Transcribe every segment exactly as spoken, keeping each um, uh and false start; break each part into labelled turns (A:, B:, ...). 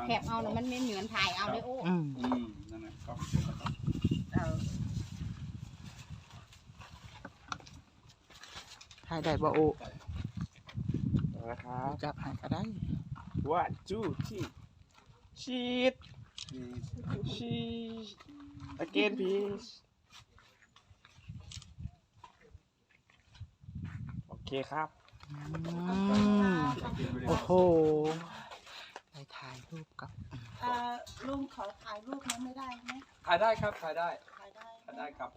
A: คปเอานะมันไม่เหมือนถ่ายเอาเลยโอ้
B: อืม
C: อืมนั่นแหละก็
B: ถ่ายได้บ่โอ
D: นะครับ
B: จับให้ก็ได้
D: one two three ชีดชีด again please โอเคครับ
B: อืมโอ้โหไปถ่ายรูปกับ
E: ลุงขอถ่ายรูปนั้นไม่ได้ไหม
C: ถ่ายได้ครับถ่ายได้
E: ถ่ายได้
C: ถ่ายได้ครับ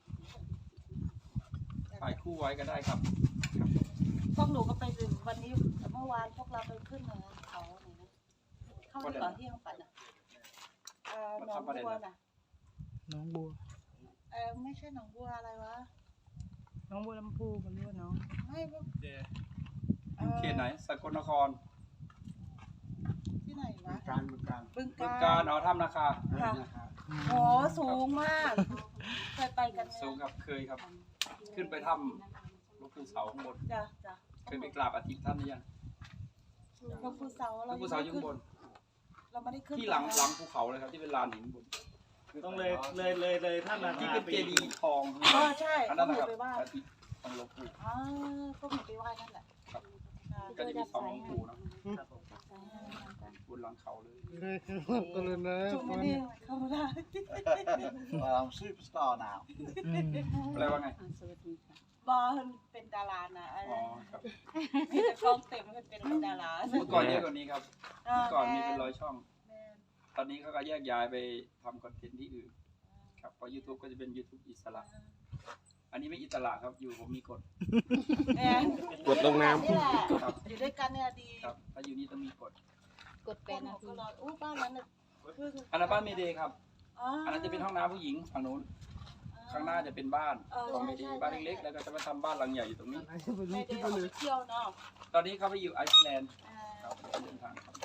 C: ถ่ายคู่ไว้ก็ได้ครับ
E: พวกหนูก็ไปถึงวันนี้เมื่อวานพวกเราไปขึ้นเหนือเขาไหนนะเข้าไปก่อนที่ยังปัดอ่ะเออหนองบัวน่ะ
B: น้องบัว
E: เออไม่ใช่หนองบัวอะไรวะ
B: น้องบัวลำพูมันเรียกว่าน้อง
E: ไม่พวก
C: อยู่เขตไหนสกลนคร
E: ที่ไหนวะ
F: การบึงการ
E: บึง
C: บึง
E: กา
C: การ
E: ฬ
C: เอาถ้ำนาคา
E: ค่ะ
F: นะครับ
E: โหสูงมากเคยไปกันไหม
C: สูงครับเคยครับ ขึ้นไปถ้ำหลวงปู่เสาข้างบน
E: จ้ะจ้ะ
C: เคยไปกราบอาทิตย์ท่านหรือยัง
E: หลวงปู่เสา
C: หล
E: เรา
C: วงปู่เสาอยู่ข้างบน
E: เราไม่ได้ขึ้น
C: ที่หลังหลังภูเขาเลยครับที่เป็นลานหินบน
F: ต้องเลยเลยเลยเลยท่านนา
C: ที่
F: คา
C: เป็น
F: ไป
C: เจดีย์ทอง
E: เออใช่
C: อัน
E: ก็
C: นั้น
E: ห
C: นะ
E: นู
C: ครับ
E: ไปไหว้
C: อาทิตย์ของหลวงปู่
E: อ๋อก็หนูไปไหว้นั่นแหละ
C: ครับ
E: ค่ะ
C: ก็จะมีสองหลวงปู่เนาะบนหลังเขาเลย
B: ก็เลยนะ
E: จุ๊บไม่ได้เข้าไม่ได้
F: เราซูเปอร์สตาร์นาว
B: อืม
C: อะไรว่าไง
A: สวัสดีค่ะ
E: บอลเป็นดารานะ
C: อ๋อครับ
E: มีแต่กล้องเต็มมันเป็นดารา
C: เมื่อก่อนเยอะกว่านี้ครับเมื่อก่อนมีเป็นร้อยช่อง
E: แม่น
C: ตอนนี้เขาก็แยกย้ายไปทำคอนเทนต์ที่อื่นครับเพราะ YouTube ก็จะเป็น YouTube อิสระ อันนี้ไม่อิสระครับอยู่ผมมีกฎ
E: แม่น
D: กดลงน้ำ
E: นี่แหละ
C: ครับ
E: อยู่ด้วยกันเนี่ยดี
C: ครับถ้าอยู่นี่ต้องมีกฎ
A: กด
E: พ
A: แป
E: ว
A: ด
E: กหนู
A: นาที
E: ก็รออู้บ้านนั้นน่ะคือ
C: อันนั้นบ้านเมเดย์ครับ
E: อ๋อ
C: อั
E: อั
C: นนั้นจะเป็นห้องน้ำผู้หญิงฝั่งนู้นข้างหน้าจะเป็นบ้านของเมเดย์บ้านเล็กๆแล้วก็จะมาทำบ้านหลังใหญ่อยู่ตรงนี้
E: ไม่ได้ออกไปเที่ยวเนาะ
C: ตอนนี้เขาไปอยู่ไอซ์แลนด์
E: อ่า
C: ครับเดินทางครับ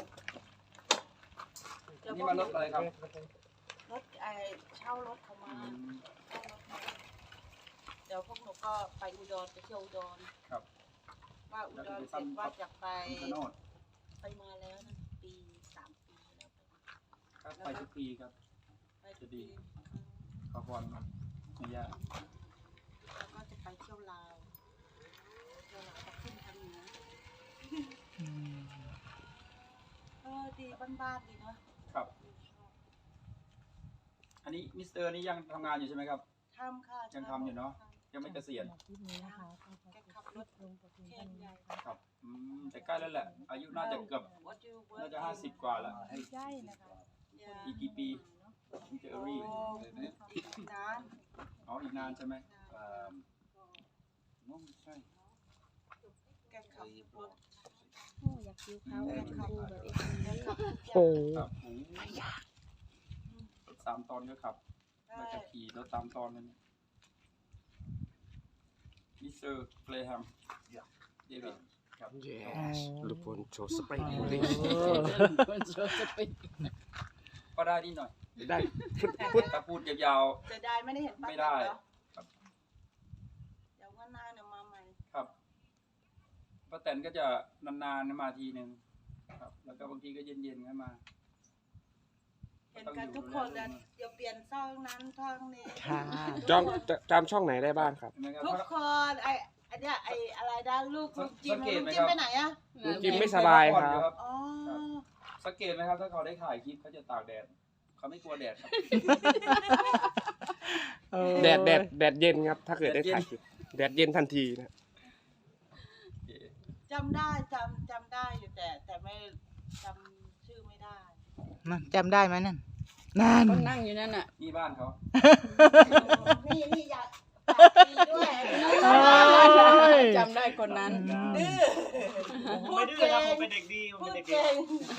E: เดี๋ยว
C: นี่
E: พวก
C: มารถอะไรครับ
E: รถไอเช่ารถเขามา
C: อืม
E: เช่ารถมาเดี๋ยวพวกหนูก็ไปอุดรไปเที่ยวอุดร
C: ครับ
E: ว่าอุดรเสร็จว่าจะไป
C: คุณโนด
E: ไปมาแล้วนะปีสามปีแล้ว
C: ครับไปทุกปีครับ
E: ไปทุกปี
C: ขอพรครับไม่ยาก
E: แล้วก็จะไปเที่ยวลาวเที่ยวลาวจะขึ้นทางเหนือ
B: อืม
E: เออดีบ้านๆดีเนาะ
C: ครับ อันนี้มิสเตอร์นี่ยังทำงานอยู่ใช่ไหมครับ
E: ทำค่ะ
C: ยังทำอยู่เนาะ ยังไม่เกษียณ
E: แกขับรถแค่ใหญ่
C: ครับอืมแต่ใกล้แล้วแหละ อายุน่าจะเกือบ
E: What do you work
C: น่าจะห้าสิบกว่าแล้ว
A: ใช่นะคะ
E: Yeah
C: อีกกี่ปีถึงจะเอรี่
E: โอ้อีกนาน
C: อ๋ออีกนานใช่ไหม
F: เอ่อน้องไม่ใช่
E: แกขับรถ
A: โอ้อยากคิ้วเขาอยากดูแบบเอ็กซ์
E: แกขับทุกอย่าง
B: โอ้
C: ครับโอ้สามตอนก็ขับ แล้วจะขี่รถตามตอนเลยเนี่ยมิสเตอร์เฟลแฮมเดวิดครับ
D: yes ลูกพลโชว์สเปรย์บุรี
C: ก็ได้นิดหน่อย
D: ได้
C: ถ้าพูดยาว
E: จะได้ไม่ได้เห็นป้า
C: ไม่ได้
E: เหรอ
C: ครับ
E: เดี๋ยววันหน้าเนี่ยมาใหม่
C: ๆครับป้าแตนก็จะนานๆมาทีหนึ่งครับ แล้วก็บางทีก็เย็นๆก็มา
E: เห็นกันทุกคนแล้วเดี๋ยวเปลี่ยนช่องนั้นช่องนี้
B: ค่ะ
D: จำจำช่องไหนได้บ้างครับ
C: เห็นไหมครับ
E: ทุกคนไอไอเนี้ยไออะไรด้านลูกลุงจิม
C: สังเก
E: ลุ
C: ต
E: ง
C: ไหม
E: จิ
C: ครั
E: ม
C: บ
E: ไปไหนอะ
D: ลุงจิมไม่สบายครับ
E: อ๋อ
C: สังเกตไหมครับถ้าเขาได้ถ่ายคลิปเขาจะตากแดดเขาไม่กลัวแดดครับ
B: เออ
D: แดดแดดแดดเย็นครับ ถ้าเกิดได้ถ่ายคลิปแดดเย็นทันทีนะ
E: จำได้จำจำได้อยู่แต่แต่ไม่จำชื่อไม่ได้
B: นั่นจำได้ไหมนั่นนั่น
A: คนนั่งอยู่นั่นน่ะ
C: นี่บ้านเขา
E: นี่นี่อยากอยากดีด้วย
B: เอ้ย
A: จำได้คนนั้น
E: ดื้อ
F: ผมไม่ดื้อครับผมเป็นเด็กดีผม
E: พู
F: เป็น
E: ด
F: เด็กดี
E: เก่ง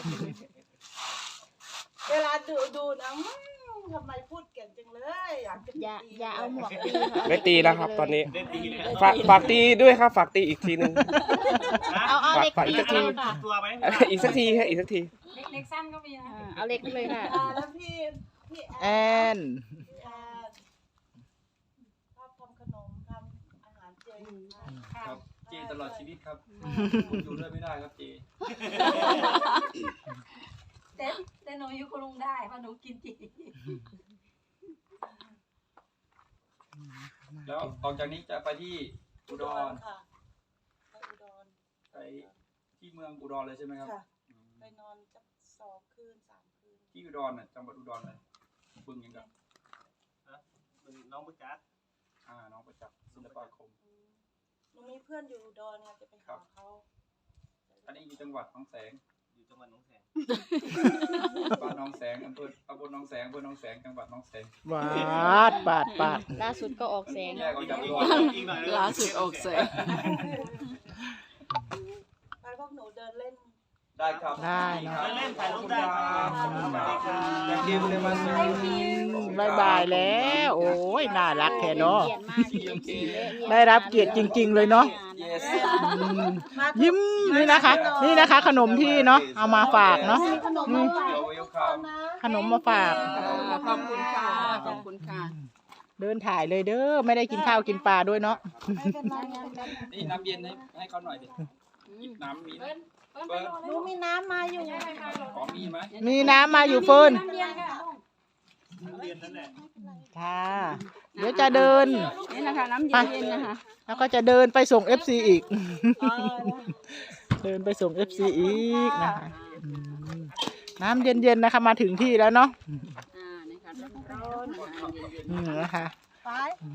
E: เวลาดูดูนะอืมทำไมพูดเก่งจังเลยอยากจะ
A: อย่า
E: ตี
A: อย่าเอาหมวกตีค่ะ
D: ไม่ตีแล้วครับ ตอนนี้
F: เล่นดีเลย
D: ฝากฝากตีด้วยครับ ฝากตีอีกทีหนึ่ง
A: เอาเอาเหล็ก
D: ฝากอี
A: ตี
D: กสักที
A: เลยค่ะ
F: ตัวไหม
D: อีกสักทีครับอีกสักที
A: เล็กสั้นก็มีนะเอาเหล็กเลยค่ะ
E: อ่าแล้วพี่พี่
B: แอ
E: แอน
B: น
E: พี่แอนชอบทำขนมทำอาหารเจ
C: ครับ เจตลอดชีวิตครับ อยู่ด้วยไม่ได้ครับเจ
E: แต่แต่หนูอยู่คุณลุงได้เพราะหนูกินจี
C: แล้วออกจากนี้จะไปที่อุดร
E: ค่ะไปอุดร
C: ไปที่เมืองอุดรเลยใช่ไหมครับ
E: ค่ะ
C: อืม
E: ไปนอนจักสองคืนสามคืน
C: ที่อุดรน่ะจังหวัดอุดรเลยบึงยังกับ
F: เป็นน้องประจักษ์
C: อ่าน้องประจักษ์ศิลปาคม
E: อืมหนูมีเพื่อนอยู่อุดรไงจะไปหาเขา
C: อันนี้อยู่จังหวัดหนองแสง
F: อยู่จังหวัดหนองแสง
C: บ้านหนองแสงอำเภอตำบลหนองแสงอำเภอหนองแสงจังหวัดหนองแสง
B: บาดบาดบาด
A: ล่าสุดก็ออกแสง
C: แยกออกจากอุดร
F: อีกหน่อย
A: ล่าสุดออกแสง
E: ไปพวกหนูเดินเล่น
C: ได้ครับ
B: ได้เนอะ
F: เล่นถ่ายรูปได้
C: ขอบคุณครับ
F: สวัสดีครับ
C: อยากกินเลยมาซื้อ
B: บายบายแล้ว โอ้ยน่ารักแค่เนาะ
A: เกียรติมากที่ เอฟซี
B: ได้รับเกียรติจริงๆเลยเนาะ
C: yes
B: อืมยิ้มนี่นะคะ นี่นะคะ ขนมที่เนาะเอามาฝากเนาะ
E: ขนมมาฝาก
C: เราเวลคัม
E: นะ
B: ขนมมาฝาก
A: ขอบคุณค่ะ ขอบคุณค่ะ
B: เดินถ่ายเลยเด้อไม่ได้กินข้าวกินปลาด้วยเนาะ
E: ไม่เป็นไรไม่เป็นไร
C: นี่น้ำเย็นให้ให้เขาหน่อยดิหยิบน้ำมีไหมเปิด
E: หนูมีน้ำมาอยู่
C: ขอมีไหม
B: มีน้ำมาอยู่เฟิร์น
F: เรียนนั่นแหละ
B: ค่ะ เดี๋ยวจะเดิน
A: นี่นะคะน้ำเย็นๆนะคะ
B: แล้วก็จะเดินไปส่ง เอฟ ซี อีก เดินไปส่ง เอฟ ซี อีกนะคะอืมน้ำเย็นๆนะคะ มาถึงที่แล้วเนาะ
A: อ่านี่ค่ะร้อนๆนะคะเย็น
B: อืมนะคะ
E: ไป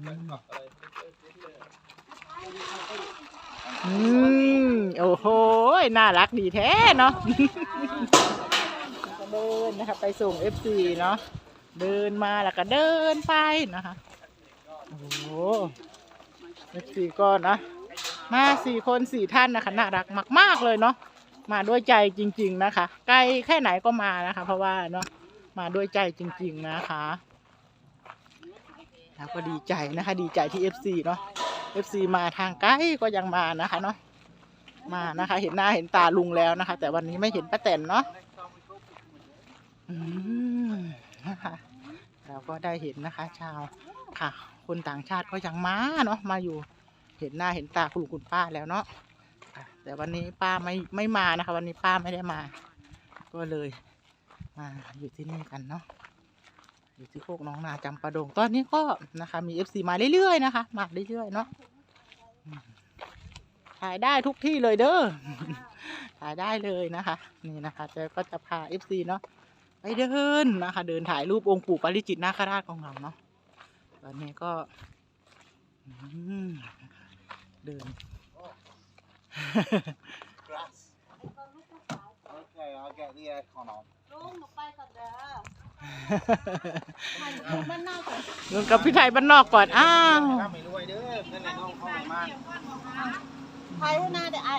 B: อืมโอ้โหน่ารักดีแท้เนาะ ก็เดินนะคะไปส่ง เอฟ ซี เนาะเดินมาแล้วก็เดินไปนะคะโอ้โห เอฟ ซี ก็นะมาสี่คนสี่ท่านนะคะน่ารักมากๆเลยเนาะมาด้วยใจจริง ๆนะคะไกลแค่ไหนก็มานะคะ เพราะว่าเนาะมาด้วยใจจริง ๆนะคะแล้วก็ดีใจนะคะ ดีใจที่ เอฟ ซี เนาะ เอฟ ซี มาทางไกลก็ยังมานะคะเนาะมานะคะ เห็นหน้าเห็นตาลุงแล้วนะคะ แต่วันนี้ไม่เห็นป้าแตนเนาะอืมนะคะเราก็ได้เห็นนะคะ ชาวค่ะ คนต่างชาติก็ยังมาเนาะมาอยู่ เห็นหน้าเห็นตาคุณลุงคุณป้าแล้วเนาะค่ะแต่วันนี้ป้าไม่ไม่มานะคะ วันนี้ป้าไม่ได้มา ก็เลยมาอยู่ที่นี่กันเนาะอยู่ที่โคกน้องนาจำปาดงตอนนี้ก็นะคะ มี เอฟ ซี มาเรื่อยๆนะคะมาเรื่อยๆเนาะอืมถ่ายได้ทุกที่เลยเด้อ ถ่ายได้เลยนะคะ นี่นะคะแต่ก็จะพา เอฟ ซี เนาะไปเดินนะคะ เดินถ่ายรูปองค์ปู่ปาริจิตนาคราชของเราเนาะตอนนี้ก็อืมเดิน
F: Okay, I'll get the aircon on.
E: ลุงหนูไปก่อนเด้อมันมันน่าจะ
B: เดินกับพี่ไทยบ้านนอกก่อนอ้าว
F: ไม่รวยเด้อนั่นแหละน้องเข้ามา
E: ไปให้หน้าเดี๋ยวไอ้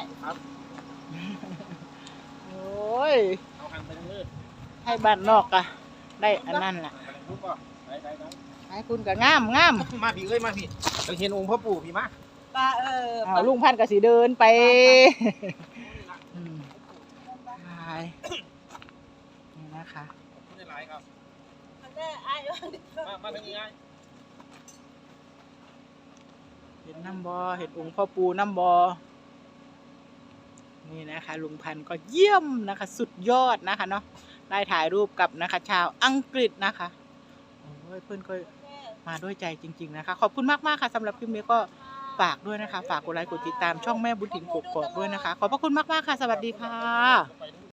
B: โอ้ย
F: เอาหันไปทางมืด
B: ให้บ้านนอกอะได้อันนั้นแหละ
F: ไปทางรูปป่ะไปไปไป
B: ให้คุณกับงามงาม
F: มาพี่เอ้ยมาพี่เราเห็นองค์พ่อปู่พี่มา
E: ปลาเออ
B: เอาลุงพันธุ์กับสีเดินไปอืมไปนี่นะคะ
F: ไม่ได้หลายครับ
E: มันได้ไอ้
F: มามาทางนี้ไง
B: เห็นน้ำบอเห็นองค์พ่อปูน้ำบอนี่นะคะลุงพันธุ์ก็เยี่ยมนะคะ สุดยอดนะคะเนาะได้ถ่ายรูปกับนะคะ ชาวอังกฤษนะคะโอ้ยเพื่อนก็มาด้วยใจจริง ๆนะคะ ขอบคุณมากๆค่ะสำหรับคลิปนี้ก็ฝากด้วยนะคะ ฝากกดไลค์กดติดตามช่องแม่บุญถิ่นกกอกด้วยนะคะ ขอบพระคุณมากๆค่ะ สวัสดีค่ะ